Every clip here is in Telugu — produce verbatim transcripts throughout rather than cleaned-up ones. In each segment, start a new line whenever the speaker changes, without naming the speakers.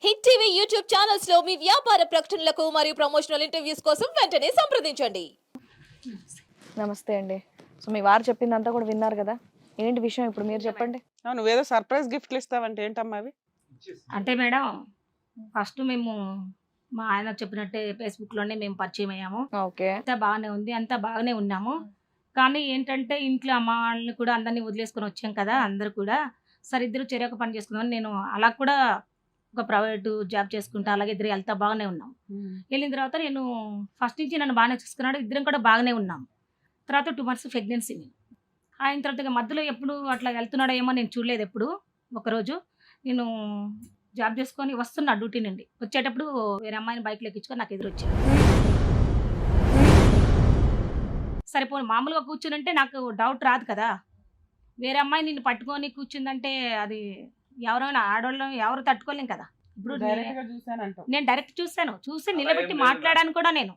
హిట్ టీవీ యూట్యూబ్ ఛానల్స్ లో మీ వ్యాపార ప్రకటనలకు మరియు ప్రమోషనల్ ఇంటర్వ్యూస్ కోసం వెంటనే సంప్రదించండి.
నమస్తే అండి. సో మీ వారు చెప్పిందంతా కూడా విన్నారు కదా, ఏంటి విషయం ఇప్పుడు మీరు చెప్పండి.
నువ్వేదో సర్ప్రైజ్ గిఫ్ట్లు ఇస్తావంటే ఏంటమ్మా అవి?
అంటే మేడం ఫస్ట్ మేము మా ఆయన చెప్పినట్టే ఫేస్బుక్లోనే మేము పరిచయం అయ్యాము.
ఓకే,
అంతా బాగానే ఉంది, అంతా బాగానే ఉన్నాము. కానీ ఏంటంటే ఇంట్లో అమ్మ వాళ్ళని కూడా అందరినీ వదిలేసుకొని వచ్చాం కదా, అందరూ కూడా సరే ఇద్దరు చెరొక పని చేసుకుందాం. నేను అలా కూడా ఒక ప్రైవేటు జాబ్ చేసుకుంటా, అలాగే ఇద్దరు వెళ్తా బాగానే ఉన్నాం. వెళ్ళిన తర్వాత నేను ఫస్ట్ నుంచి నన్ను బాగానే చూసుకున్నాడు, ఇద్దరం కూడా బాగానే ఉన్నాం. తర్వాత టూ మంత్స్ ప్రెగ్నెన్సీ నేను ఆయన తర్వాత ఇక మధ్యలో ఎప్పుడు అట్లా వెళ్తున్నాడో ఏమో నేను చూడలేదు. ఎప్పుడు ఒకరోజు నేను జాబ్ చేసుకొని వస్తున్నా డ్యూటీ నుండి వచ్చేటప్పుడు వేరే అమ్మాయిని బైక్లో ఎక్కించుకొని నాకు ఎదురు వచ్చాడు. సరిపోయి మామూలుగా కూర్చునంటే నాకు డౌట్ రాదు కదా, వేరే అమ్మాయి నిన్ను పట్టుకొని కూర్చుందంటే అది ఎవరైనా ఆడవాళ్ళం ఎవరు తట్టుకోలేం కదా. ఇప్పుడు
డైరెక్ట్ గా చూసానంటావు.
నేను డైరెక్ట్ చూసాను, చూసి నిలబెట్టి మాట్లాడాను కూడా. నేను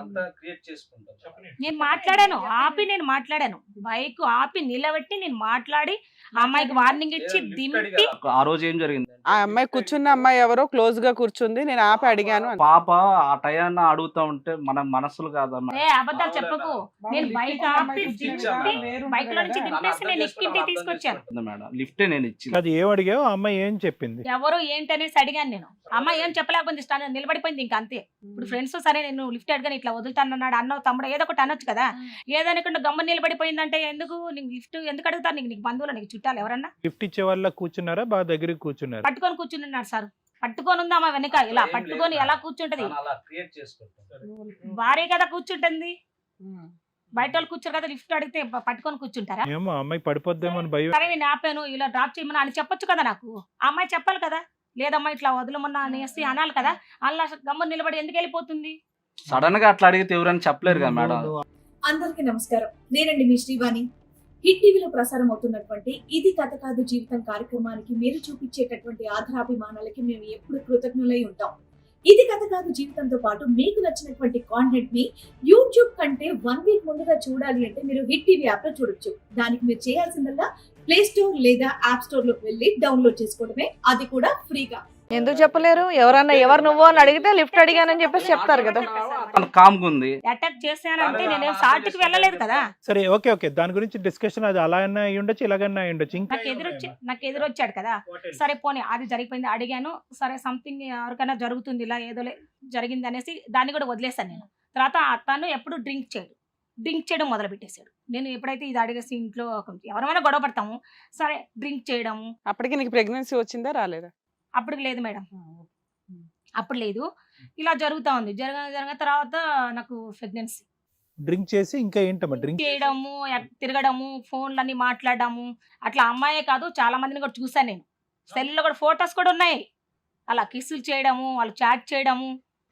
నేను మాట్లాడాను, ఆపి నేను మాట్లాడాను, బైక్ ఆపి నిలబెట్టి నేను మాట్లాడి ఆ అమ్మాయికి వార్నింగ్ ఇచ్చి దింపి.
ఆ రోజు ఏం జరిగింది?
ఆ అమ్మాయి కూర్చున్న అమ్మాయి ఎవరో క్లోజ్ గా కూర్చుంది, నేను ఆపి అడిగాను అని.
పాప ఆ టయాన్ని అడుగుతా ఉంటే మన మనసులు కాదమ్మా.
ఏ అబద్ధాలు చెప్పకు, నేను బైక్ ఆపి దింపి బైక్ లో నుంచి దింపేసి నేను ఎక్కింటి తీసుకొచ్చాను
మేడం లిఫ్టే నేను ఇచ్చింది.
అది ఏం అడిగావు, ఆ అమ్మాయి ఏం చెప్పింది?
ఎవరు ఏంటనేసి అడిగాను నేను. అమ్మాయి ఏం చెప్పలేకపోయింది, స్టాండ్ నిలబడిపోయింది ఇంకా అంతే. ఇప్పుడు ఫ్రెండ్స్ సరే నేను లిఫ్ట్ అడిగాను, ఇట్లా వదులుతానన్నాడు అన్నో తమ్ముడు ఏదో ఒకటి అనొచ్చు కదా, ఏదనుకుంటే గమ్మ నిలబడిపోయిందంటే ఎందుకు నీకు లిఫ్ట్ ఎందుకు అడుగుతారు? నీకు నీకు బంధువులు నీకు చుట్టాలు ఎవరన్నా?
గిఫ్ట్ ఇచ్చే వాళ్ళ కూర్చున్నారా, బాగా దగ్గరికి కూర్చున్నారా?
పట్టుకొని కూర్చున్నాడు సార్, పట్టుకొని ఉందా మా వెనక ఇలా పట్టుకొని ఎలా కూర్చుంటది? భార్య కదా కూర్చుంటుంది, బయట వాళ్ళు కూర్చోరు కదా, లిఫ్ట్ అడిగితే పట్టుకొని కూర్చుంటారా?
ఏమో అమ్మాయి పడిపోద్దేమో అని భయం.
సరే నేను ఆపాను, ఇలా డ్రాప్ చేయమని అని చెప్పొచ్చు కదా, నాకు ఆ అమ్మాయి చెప్పాలి కదా, లేదమ్మా ఇట్లా వదలమన్నా అనేసి అనాలి కదా. అలా గమ్మ నిలబడి ఎందుకు వెళ్ళిపోతుంది?
సడన్ గా అట్లా అడిగితే ఎవరని చెప్పలేరు కదా మేడం.
అందరికీ నమస్కారం, నేనండి మీ శ్రీవాణి. హిట్ టీవీలో ప్రసారం అవుతున్నటువంటి ఇది కథ కాదు జీవితం కార్యక్రమానికి మీరు చూపించేటటువంటి ఆధారాభిమానాలకి మేము ఎప్పుడు కృతజ్ఞులై ఉంటాం. ఇది కథ కాదు జీవితంతో పాటు మీకు నచ్చినటువంటి కాంటెంట్ ని యూట్యూబ్ కంటే వన్ వీక్ ముందుగా చూడాలి అంటే మీరు హిట్ టీవీ యాప్ లో చూడొచ్చు. దానికి మీరు చేయాల్సిందల్లా ప్లే స్టోర్ లేదా యాప్ స్టోర్ లోకి వెళ్ళి డౌన్లోడ్ చేసుకోవడమే, అది కూడా ఫ్రీగా.
ఎందుకు చెప్పలేరు? ఎవరన్నా ఎవరు నువ్వు అని అడిగితే లిఫ్ట్ అడిగానని చెప్పేసి చెప్తారు కదా.
కామ్గా ఉంది.
అటాక్ చేశానంటే నేనేం సాటికి వెళ్ళలేదు కదా.
సరే ఓకే ఓకే, దాని గురించి డిస్కషన్ అది అలా అన్నా అయి ఉండొచ్చు, ఇలాగన్నా అయి ఉండొచ్చు. ఇంకా
నాకు ఎదురొచ్చి నాకు ఎదురొచ్చాడు కదా, సరే పోనీ అది జరిగిపోయింది అడిగాను, సరే సంథింగ్ ఎవరికైనా జరుగుతుంది ఇలా ఏదో జరిగింది అనేసి దాన్ని కూడా వదిలేసాను నేను. తర్వాత అతను ఎప్పుడు డ్రింక్ చేయడు, డ్రింక్ చేయడం మొదలు పెట్టేశాడు. నేను ఎప్పుడైతే ఇది అడిగేసి ఇంట్లో ఎవరైనా గొడవ పడతాము, సరే డ్రింక్ చేయడము.
అప్పటికి నీకు ప్రెగ్నెన్సీ వచ్చిందా రాలేదా?
అప్పుడు లేదు మేడం, అప్పుడు లేదు. ఇలా జరుగుతా ఉంది, జరగ జరగ తర్వాత నాకు ప్రెగ్నెన్సీ.
డ్రింక్ చేసి ఇంకా ఏంటమ్మా డ్రింక్
చేయడము, ఎక్- తిరగడము, ఫోన్లన్నీ మాట్లాడడము, అట్లా అమ్మాయే కాదు చాలా మందిని కూడా చూసాను నేను. సెల్లో కూడా ఫొటోస్ కూడా ఉన్నాయి, అలా కిస్సులు చేయడము, వాళ్ళు చాట్ చేయడము,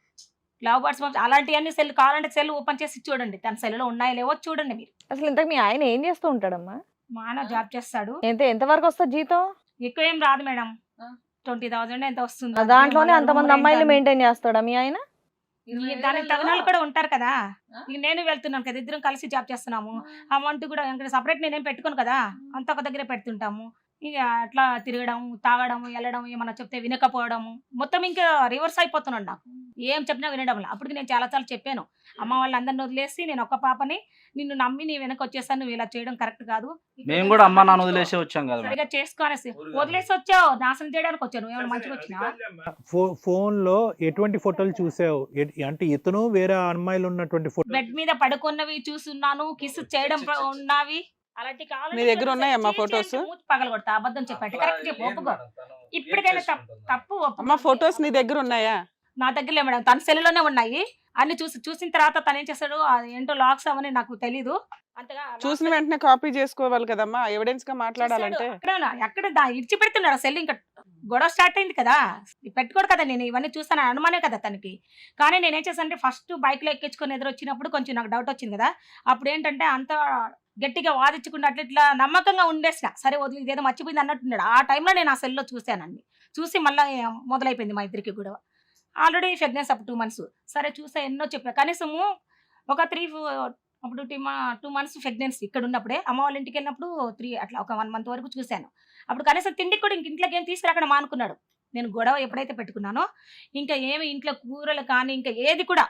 లవ్ బర్డ్స్ అలాంటివన్నీ సెల్ కావాలంటే సెల్ ఓపెన్ చేసి చూడండి, తన సెల్లో ఉన్నాయో లేవో చూడండి మీరు.
అసలు ఇంతకు మీ ఆయన ఏం చేస్తూ ఉంటాడమ్మా?
మా ఆయన జాబ్ చేస్తాడు,
ఎంత ఎంత వరకు వస్తుంది జీతం?
ఎక్కువ ఏం రాదు మేడం, ట్వంటీ థౌసండ్ ఎంత వస్తుంది.
ఆ దాంట్లోనే అంతమంది అమ్మాయిలు మెయింటైన్ చేస్తాడా మీ ఆయన?
ఈ దానికి తగిన వాళ్ళు కూడా ఉంటారు కదా. ఇక నేను వెళ్తున్నాను కదా, ఇద్దరం కలిసి జాబ్ చేస్తున్నాము, అమౌంట్ కూడా ఇంకా సపరేట్ నేనేం పెట్టుకోను కదా, అంత ఒక దగ్గరే పెడుతుంటాము. ఇక అట్లా తిరగడం, తాగడం, వెళ్ళడం, ఏమన్నా చెప్తే వినకపోవడము, మొత్తం ఇంకా రివర్స్ అయిపోతున్నాడు. నాకు ఏం చెప్పినా వినడం. అప్పటికి నేను చాలా సార్లు చెప్పాను, అమ్మ వాళ్ళందరిని వదిలేసి నేను ఒక్క పాపని నిన్ను నమ్మి నీ వెనక వచ్చేసాను, నువ్వు ఇలా చేయడం కరెక్ట్ కాదు.
మేము కూడా అమ్మ నాన్న వదిలేసి వచ్చాం కదా.
సరిగా చేసుకోనేసి వదిలేసి వచ్చావు, నాశనం చేయడానికి వచ్చాను, ఏమైనా మంచిగా వచ్చినా?
ఫో- ఫోన్ లో ఎటువంటి ఫోటోలు చూసావు? ఎ- అంటే ఇతను వేరే అమ్మాయిలు ఉన్నటువంటి ఫోటో
బెడ్ మీద పడుకున్నవి చూస్తున్నాను, కిస్ చేయడం ప- ఉన్నవి అలాంటి కావాలంటే
నీ దగ్గర ఉన్నాయా అమ్మా photos?
మూతి పగలగొడతా, అబద్ధం చెప్పండి, కరెక్ట్ చెప్పు, ఒప్పుకో. ఇప్పటికైనా తప్పు తప్పు ఒప్పుకో.
అమ్మ ఫొటోస్ నీ దగ్గర ఉన్నాయా?
నా దగ్గర లేవు మేడం, తన సెల్లులోనే ఉన్నాయి అన్ని. చూసి చూసిన తర్వాత తను ఏం చేస్తాడు, అది ఏంటో లాక్స్ అవని నాకు తెలీదు అంతగా.
చూసిన వెంటనే కాపీ చేసుకోవాలి కదమ్మా, ఎవిడెన్స్ గా మాట్లాడాలంటే.
ఎక్కడ ఎక్కడ దా- ఇడిచి పెడుతున్నాడు సెల్, ఇంకా గొడవ స్టార్ట్ అయింది కదా, పెట్టుకోడు కదా. నేను ఇవన్నీ చూసాను అనుమానే కదా తనకి. కానీ నేనేం చేశానంటే ఫస్ట్ బైక్ లో ఎక్కించుకొని ఎదురు వచ్చినప్పుడు కొంచెం నాకు డౌట్ వచ్చింది కదా, అప్పుడు ఏంటంటే అంత గట్టిగా వాదించకుండా అట్లా ఇట్లా నమ్మకంగా ఉండేసిన, సరే వదిలి ఇదేదో మర్చిపోయింది అన్నట్టున్నాడు. ఆ టైంలో నేను ఆ సెల్లో చూశానండి, చూసి మళ్ళీ మొదలైపోయింది మా ఇద్దరికి కూడా. ఆల్రెడీ ప్రెగ్నెన్స్ అప్పుడు టూ మంత్స్ సరే చూసా, ఎన్నో చెప్పా, కనీసము ఒక త్రీ అప్పుడు టూ టూ మంత్స్ ప్రెగ్నెన్సీ ఇక్కడ ఉన్నప్పుడే, అమ్మ వాళ్ళ ఇంటికి వెళ్ళినప్పుడు త్రీ అట్లా ఒక వన్ మంత్ వరకు చూశాను. అప్పుడు కనీసం తిండికి కూడా ఇంక ఇంట్లోకి ఏం తీసుకురాకుండా మానుకున్నాడు. నేను గొడవ ఎప్పుడైతే పెట్టుకున్నానో ఇంకా ఏమి ఇంట్లో కూరలు కానీ ఇంకా ఏది కూడా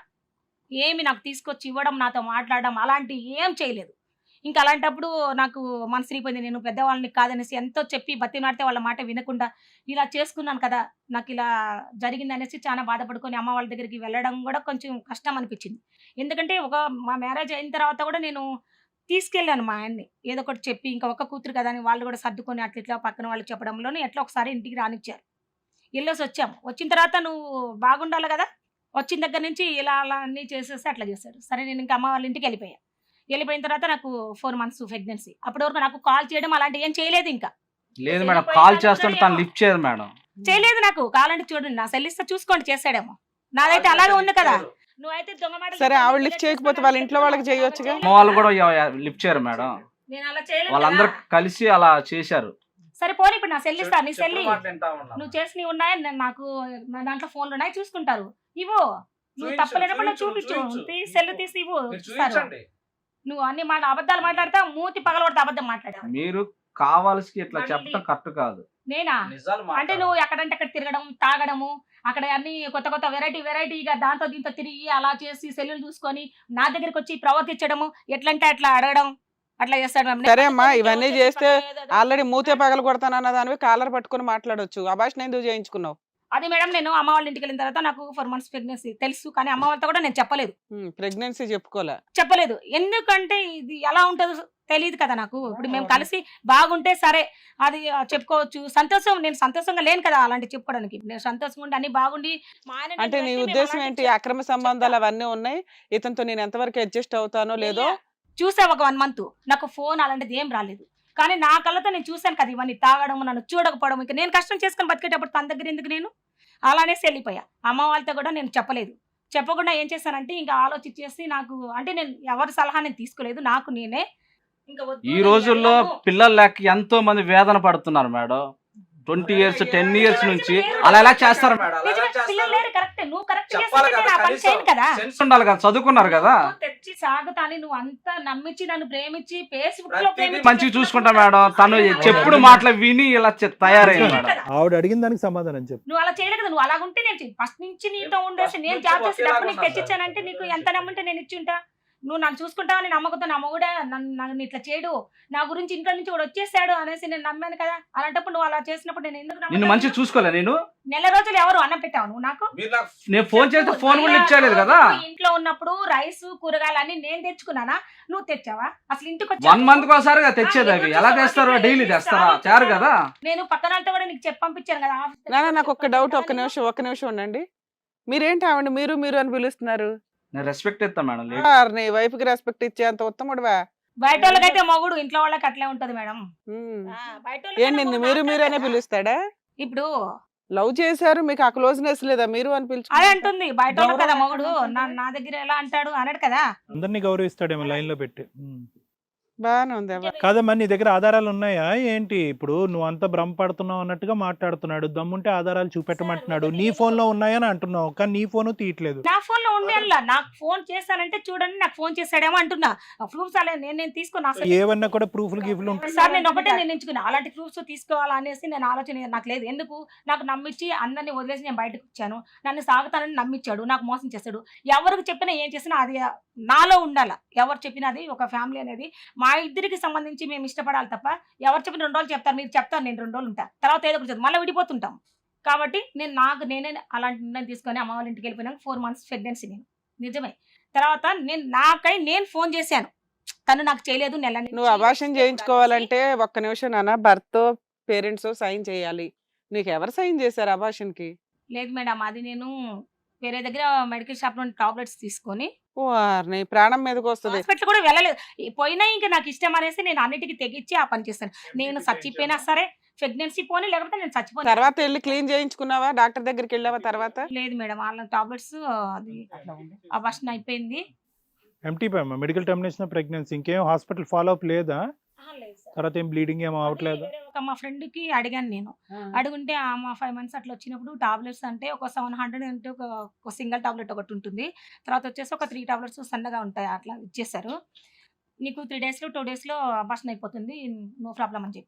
ఏమి నాకు తీసుకొచ్చి ఇవ్వడం, నాతో మాట్లాడడం అలాంటి ఏం చేయలేదు. ఇంకా అలాంటప్పుడు నాకు మనసు విరిగిపోయింది. నేను పెద్దవాళ్ళని కాదనేసి ఎంతో చెప్పి బతిమాడితే వాళ్ళ మాట వినకుండా ఇలా చేసుకున్నాను కదా, నాకు ఇలా జరిగింది అనేసి చాలా బాధపడుకొని అమ్మ వాళ్ళ దగ్గరికి వెళ్ళడం కూడా కొంచెం కష్టం అనిపించింది. ఎందుకంటే ఒక మా మ్యారేజ్ అయిన తర్వాత కూడా నేను తీసుకెళ్ళాను మా ఆయన్ని ఏదో ఒకటి చెప్పి, ఇంకా ఒక్క కూతురు కదా అని వాళ్ళు కూడా సర్దుకొని అట్లా ఇట్లా పక్కన వాళ్ళు చెప్పడంలోనే ఎట్లా ఒకసారి ఇంటికి రానిచ్చారు. వెళ్ళేసి వచ్చాము. వచ్చిన తర్వాత నువ్వు బాగుండాలి కదా, వచ్చిన దగ్గర నుంచి ఇలా అలా అన్నీ చేసేసి అట్లా చేశాడు. సరే నేను ఇంకా అమ్మ వాళ్ళ ఇంటికి వెళ్ళిపోయా. వెళ్ళిపోయిన తర్వాత నాకు ఫోర్ మంత్స్ ప్రెగ్నెన్సీ. అప్పటి వరకు నాకు కాల్ చేయడం అలాంటి ఏం చేయలేదు. ఇంకా
లేదు మేడం, కాల్ చేస్తుంటే తను లిఫ్ట్ చేయదు మేడం.
చేయలేదు. నాకు కావాలంటే చూడండి, నా సెల్ ఇస్తే చూసుకోండి, చేశాడేమో. నాదైతే అలాగే ఉంది కదా. నువ్వైతే దొంగ మాటలు
సరే
చెప్పి
ఆవిడ
ఇలా
లిఫ్ట్ చేయకపోతే
చేస్తున్నావు
వాళ్ళ ఇంట్లో వాళ్ళకి
అంటే
చేయొచ్చుగా.
అమ్మ వాళ్ళు కూడా లిఫ్ట్ చేయరు మేడం.
నేను అలా చేయలేదు
వాళ్ళందరూ
కదా.
కలిసి అలా చేశారు.
సరే పోనీ ఇప్పుడు నా సెల్ ఇస్తా, నీ సెల్
చెప్పిన మాట వింటా ఉన్నాను.
నువ్వు చేసినవి ఉన్నాయి, నేను నాకు నా దాంట్లో ఫోన్లు ఉన్నాయి, చూసుకుంటారు. ఇవ్వు. నువ్వు
చూపించు,
తప్పలేనప్పుడు
చూపించు,
చూపించు,
చూపించు.
తీ సెల్ తీసి ఇవ్వు.
మీరు
ఇస్తారు.
చూపించండి.
నువ్వు అన్ని మాట అబద్ధాలు మాట్లాడతావు, మూతి పగలబడితే అబద్ధం మాట్లాడావు.
మీరు కావాల్సి ఇట్లా
మళ్ళీ-
చెప్పడం కరెక్ట్ కాదు.
నేనా
నిజాలు
అంటే నువ్వు ఎక్కడంటే అక్కడ తిరగడం, తాగడము, అక్కడ అన్ని కొత్త కొత్త వెరైటీ వెరైటీగా దాంతో దీంతో తిరిగి అలా చేసి సెల్లులు చూసుకొని నా దగ్గరికి వచ్చి ప్రవర్తించడము, ఎట్లంటే అట్లా అడగడం, అట్లా చేస్తాడు మేడం.
సరే అమ్మా, ఇవన్నీ చేస్తే ఆల్రెడీ మూతే పగలు కొడతానన్న దానివి కాలర్ పట్టుకుని మాట్లాడొచ్చు. అభాషణ ఎందుకు చేయించుకున్నావు?
అది మేడం నేను అమ్మ వాళ్ళ ఇంటికి వెళ్ళిన తర్వాత నాకు ఫోర్ మంత్స్ ప్రెగ్నెన్సీ తెలుసు, కానీ అమ్మ వాళ్ళతో కూడా నేను చెప్పలేదు
ప్రెగ్నెన్సీ చెప్పుకోలే.
చెప్పలేదు ఎందుకంటే ఇది ఎలా ఉంటుందో తెలియదు కదా నాకు. ఇప్పుడు మేము కలిసి బాగుంటే సరే అది ఆ, చెప్పుకోవచ్చు. సంతోషం, నేను సంతోషంగా లేను కదా అలాంటి చెప్పుకోవడానికి. నేను సంతోషంగా ఉండి అన్ని బాగుండి మా ఆయన
అంటే నీ
నేను
ఉద్దేశం
అలాంటి
ఏంటి?
చెప్-
అక్రమ సంబంధాలు అవన్నీ ఉన్నాయి, ఇతనితో నేను ఎంతవరకు అడ్జస్ట్ అవుతానో లేదో.
చూసా ఒక వన్ మంత్ నాకు ఫోన్ అలాంటిది ఏం రాలేదు, కానీ నా కళ్ళతో నేను చూశాను కదా ఇవన్నీ తాగడం, నన్ను చూడకపోవడం. ఇంకా నేను కష్టం చేసుకొని బతికేటప్పుడు తన దగ్గర ఎందుకు నేను అలానేసి వెళ్ళిపోయా. అమ్మ వాళ్ళతో కూడా నేను చెప్పలేదు. చెప్పకుండా ఏం చేశానంటే ఇంకా ఆలోచించేసి నాకు అంటే నేను ఎవరి సలహా నేను తీసుకోలేదు, నాకు నేనే ఇంకా వద్దు
ఈ
నేను
రోజుల్లో
వెళ్ళను.
పిల్లలు లేక ఎంతో మంది వేదన పడుతున్నారు madam. Twenty years ten years నుంచి అలా ఎలా చేస్తారు మేడం? అలా ఎలా
నిజమే,
చేస్తారు?
పిల్లలు లేరు, కరెక్టే. నువ్వు కరెక్ట్
చెప్పాలి
చేస్తుంటే
కదా,
నా పని
కనీసం
చేయను కదా.
సెన్స్ ఉండాలి కదా, చదువుకున్నారు కదా.
నువ్వు తెచ్చి సాగుతాని నువ్వు అంతా నమ్మించి నన్ను ప్రేమించి ఫేస్బుక్ లో
ప్రతిదీ
ప్రేమించి
మంచిగా చూసుకుంటా మేడం. తను చెప్పుడు మాటలు విని ఇలా చె- తయారైంది
చేయలేదు
మేడం.
కదా.
ఆవిడ అడిగిన దానికి సమాధానం చెప్పు.
నువ్వు అలా చేయలేదు కదా. నువ్వు అలా ఉంటే నేను ఫస్ట్ నుంచి నీతో ఉండేసి నేను జాబ్ చేసి డబ్బు నీకు తెచ్చిచ్చానంటే నీకు ఎంత నమ్ముంటే నేను ఇచ్చి ఉంటా. నువ్వు నన్ను చూసుకుంటావని నమ్మకంతో నా మొగుడా నన్ను నన్ను ఇట్లా చేయడు, నా గురించి ఇంట్లో నుంచి కూడా వచ్చేసాడు అనేసి నేను నమ్మాను కదా. అలాంటప్పుడు నువ్వు అలా చేసినప్పుడు నేను ఎందుకు
నిన్ను
నమ్ముతాను?
మంచిగా చూసుకోలే నేను.
నెల రోజులు ఎవరు అన్నం పెట్టావు నువ్వు నాకు?
నేను ఫోన్ చేస్తే ఫోన్ కూడా ఇచ్చేయలేదు కదా.
నువ్వు ఇంట్లో ఉన్నప్పుడు రైస్ కూరగాయలు అన్ని నేను తెచ్చుకున్నానా, నువ్వు తెచ్చావా? అసలు ఇంటికి
వన్
వచ్చావు.
మంత్ కోసారిగా తెచ్చేది అవి. ఎలా తెస్తారు? డైలీ తెస్తారా? చారు కదా.
నేను పక్కన వాళ్ళతో కూడా నీకు చెప్పి పంపించాను కదా ఆఫీస్ దగ్గర.
నాన్న నాకు ఒక్క డౌట్, ఒక్క నిమిషం ఒక్క నిమిషం ఉండండి. మీరేంటి ఆవిడ మీరు మీరు అని పిలుస్తున్నారు?
నేను రెస్పెక్ట్ ఇస్తా మేడం. లేదు.
ఆర్ నీ వైఫ్ కి రెస్పెక్ట్ ఇచ్చే అంత ఉత్తముడువా?
బయట వాళ్ళకైతే మొగుడు, ఇంట్లో వాళ్ళకి అట్లే ఉంటది మేడం.
ఉమ్.
ఆ, బయట వాళ్ళకన్నా
ఏంటి నిన్ను
మొగుడు
మీరు మీరు అనే
మాట్లాడతాడా?
పిలుస్తాడా?
ఇప్పుడు
లవ్ చేశారు, మీకు ఆ క్లోజ్నెస్ లేదా? మీరు అని
అదే
పిలుచుకుంటారు.
అంటుంది బయట వాళ్ళు కదా మొగుడు నా నా దగ్గర ఎలా అంటాడు అన్నాడు కదా.
అందరినీ గౌరవిస్తాడేమో లైన్ లో పెట్టి. ఉమ్.
బాగానే ఉంది అవ్వ.
కాదమ్మా, నీ దగ్గర ఆధారాలు ఉన్నాయా ఏంటి? ఇప్పుడు నువ్వు అంతా భ్రమపడుతున్నావు అన్నట్టుగా మాట్లాడుతున్నాడు. దమ్ముంటే ఆధారాలు చూపెట్టమంటున్నాడు. నీ ఫోన్ లో ఉన్నాయని అంటున్నావు, కానీ నీ ఫోన్ తీయట్లేదు.
నా ఫోన్ లో ఉండేలా నాకు ఫోన్ చేశానంటే చూడండి నాకు ఫోన్ చేశాడేమో అంటున్నా. ప్రూఫ్స్ అలా నేను నేను తీసుకున్నా అసలు.
ఏవన్నా కూడా ప్రూఫ్లు గిఫ్లు ఉంటాయి.
సార్ నేను ఒకటే నిర్ణయించుకున్నా, అలాంటి ప్రూఫ్స్ తీసుకోవాలా అనేసి నేను ఆలోచన నాకు లేదు. ఎందుకు నాకు నమ్మించి అందరినీ వదిలేసి నేను బయటకు వచ్చాను, నన్ను సాగుతానని నమ్మించాడు, నాకు మోసం చేశాడు. ఎవరికి చెప్పినా ఏం చేసినా అది నాలో ఉండాల. ఎవరు చెప్పినా అది ఒక ఫ్యామిలీ అనేది మా ఇద్దరికి సంబంధించి మేము ఇష్టపడాలి తప్ప ఎవరు చెప్పిన రెండు రోజులు చెప్తారు, మీరు చెప్తారు, నేను రెండు రోజులు ఉంటా, తర్వాత ఏదో ఒకటి మళ్ళీ విడిపోతుంటాం. కాబట్టి నేను నాకు నేనే అలాంటి నిర్ణయం తీసుకొని అమ్మ వాళ్ళ ఇంటికి వెళ్ళిపోయినాక ఫోర్ మంత్స్ ప్రెగ్నెన్సీ నేను నిజమే. తర్వాత నేను నాకై నేను ఫోన్ చేశాను, తను నాకు చేయలేదు. నెల నుంచి
నువ్వు అభాషణ చేయించుకోవాలంటే ఒక్క నిమిషం నాన్న, భర్త పేరెంట్స్ సైన్ చేయాలి. నీకు ఎవరు సైన్ చేశారు అభాషణకి?
లేదు మేడం, అది నేను వేరే దగ్గర మెడికల్ షాప్ నుండి టాబ్లెట్స్ తీసుకొని
ఓ నీ ప్రాణం మీదకి వస్తుంది.
హాస్పిటల్ కూడా వెళ్ళలేదు. ఈ పోయినా ఇంకా నాకు ఇష్టం అనేసి నేను అన్నిటికీ తెగించి ఆ పని చేస్తాను. నేను చచ్చిపోయినా సరే ప్రెగ్నెన్సీ పోనీ, లేకపోతే నేను చచ్చిపోయినా.
తర్వాత వెళ్ళి క్లీన్ చేయించుకున్నావా? డాక్టర్ దగ్గరికి వెళ్ళావా తర్వాత?
లేదు మేడం, వాళ్ళ టాబ్లెట్స్ అది అబార్షన్ అయిపోయింది.
ఎంటీ అమ్మా, మెడికల్ టర్మినేషన్ ప్రెగ్నెన్సీ. ఇంకేం హాస్పిటల్ ఫాలో అప్ లేదా? తర్వాత ఏం బ్లీడింగ్ ఏమో అవట్లేదు?
వేరే ఒక మా ఫ్రెండ్ కి అడిగాను నేను, అడుగుంటే ఆ మా ఫైవ్ మంత్స్ అట్లా వచ్చినప్పుడు టాబ్లెట్స్ అంటే ఒక సెవెన్ హండ్రెడ్ అంటే ఒక ఒక సింగిల్ టాబ్లెట్ ఒకటి ఉంటుంది, తర్వాత వచ్చేసి ఒక త్రీ టాబ్లెట్స్ సన్నగా ఉంటాయి అట్లా ఇచ్చేసారు. నీకు త్రీ డేస్లో టూ డేస్లో అబార్షన్ అయిపోతుంది, నో ప్రాబ్లం అని చెప్పారు.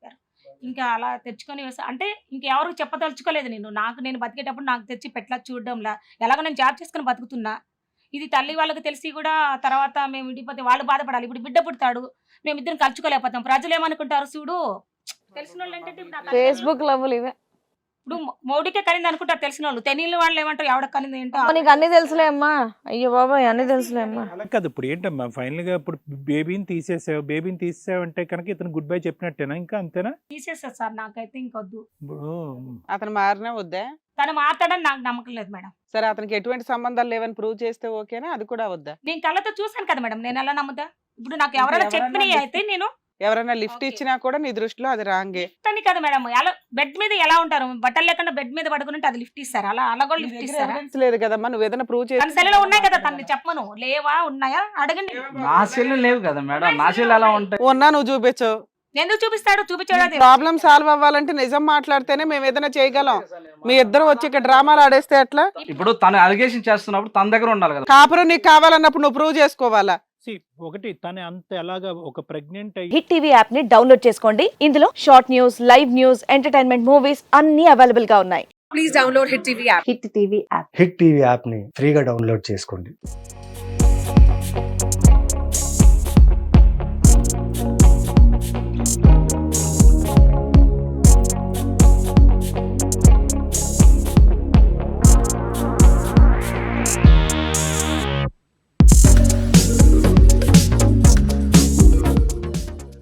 ఇంకా అలా తెచ్చుకొని వేసా అంటే ఇంకెవరికి చెప్పదలుచుకోలేదు నేను. నాకు నేను బతికేటప్పుడు నాకు తెచ్చి పెట్లా చూడడంలా ఎలాగో నేను జాబ్ చేసుకుని బతుకుతున్నా. ఇది తల్లి వాళ్ళకి తెలిసి కూడా తర్వాత మేము విడిపోతే వాళ్ళు బాధపడాలి. ఇప్పుడు బిడ్డ పుడతాడు, మేమిద్దరం కలుచుకోలేకపోతాం. ప్రజలు ఏమనుకుంటారు చూడు, తెలిసిన వాళ్ళు ఏంటంటే ఇప్పుడు నా
ఫేస్బుక్ లవ్లు ఇవే.
ఇప్పుడు మౌడికే కనింది అనుకుంటారు తెలిసిన వాళ్ళు. తెలియని వాళ్ళు ఏమంటారు ఎవడ కనింది ఏంటో.
అమ్మ, నీకు అన్ని తెలుసులే అమ్మా. అయ్యో బాబాయ్, అన్ని తెలుసులే అమ్మా.
అలా కాదు, ఇప్పుడు ఏంటమ్మా ఫైనల్ గా ఇప్పుడు బేబీని తీసేసావు, బేబీని తీసేసావంటే కనుక ఇతను గుడ్ బై చెప్పినట్టేనా? ఇంకా అంతేనా?
తీసేస్తారు సార్, నాకైతే ఇంకొద్దు.
ఇప్పుడు
అతను మారినా వద్దా?
తను మాట్లాడని నాకు నమ్మకం లేదు మేడం.
సరే, అతనికి ఎటువంటి సంబంధాలు లేవని ప్రూవ్ చేస్తే ఓకేనా? అది కూడా వద్దా?
నేను కళ్ళతో చూసాను కదా మేడం, నేను ఎలా నమ్ముతా? ఇప్పుడు నాకు ఎవరైనా
ఎవరన్నా
చెప్పినవి
lift-
అయితే నేను
ఎవరైనా లిఫ్ట్
Okay.
ఇచ్చినా కూడా నీ దృష్టిలో అది రాంగే.
అని కదా మేడం. ఎలా బెడ్ మీద ఎలా ఉంటారు, బట్టలు లేకుండా బెడ్ మీద పడుకుంటే అది లిఫ్ట్ ఇస్తారు. అలా అలా కూడా లిఫ్ట్ ఇస్తారా?
ఎవిడెన్స్ లేదు కదమ్మా, నువ్వు ఏదైనా ప్రూవ్
తన
చేసి
సెల్లో ఉన్నాయి కదా, తనని చెప్పను. లేవా ఉన్నాయా అడగండి.
నా సెల్లు లేవు కదా మేడం, నా సెల్లు ఎలా ఉంటాయి?
ఉన్నా నువ్వు చూపించు.
ఎందుకు చూపిస్తాడు? చూపించాడు.
ప్రాబ్లం సాల్వ్ అవ్వాలంటే నిజం మాట్లాడితేనే మేము ఏదైనా చేయగలం. మీ ఇద్దరు వచ్చి ఇక్కడ డ్రామాలు ఆడేస్తే ఎట్లా?
ఇప్పుడు తను అలిగేషన్ చేస్తున్నప్పుడు తన దగ్గర ఉండాలి కదా.
కాపురం నీకు కావాలన్నప్పుడు నువ్వు ప్రూవ్ చేసుకోవాలా?
see, ఒకటి తను అంత ఎలాగా ఒక ప్రెగ్నెంట్ అయ్యి
హిట్ టీవీ యాప్ ని డౌన్లోడ్ చేసుకోండి. ఇందులో short news, live news, entertainment movies అన్ని అవైలబుల్ గా ఉన్నాయి.
హిట్ టీవీ యాప్ని ఫ్రీగా డౌన్లోడ్ చేసుకోండి.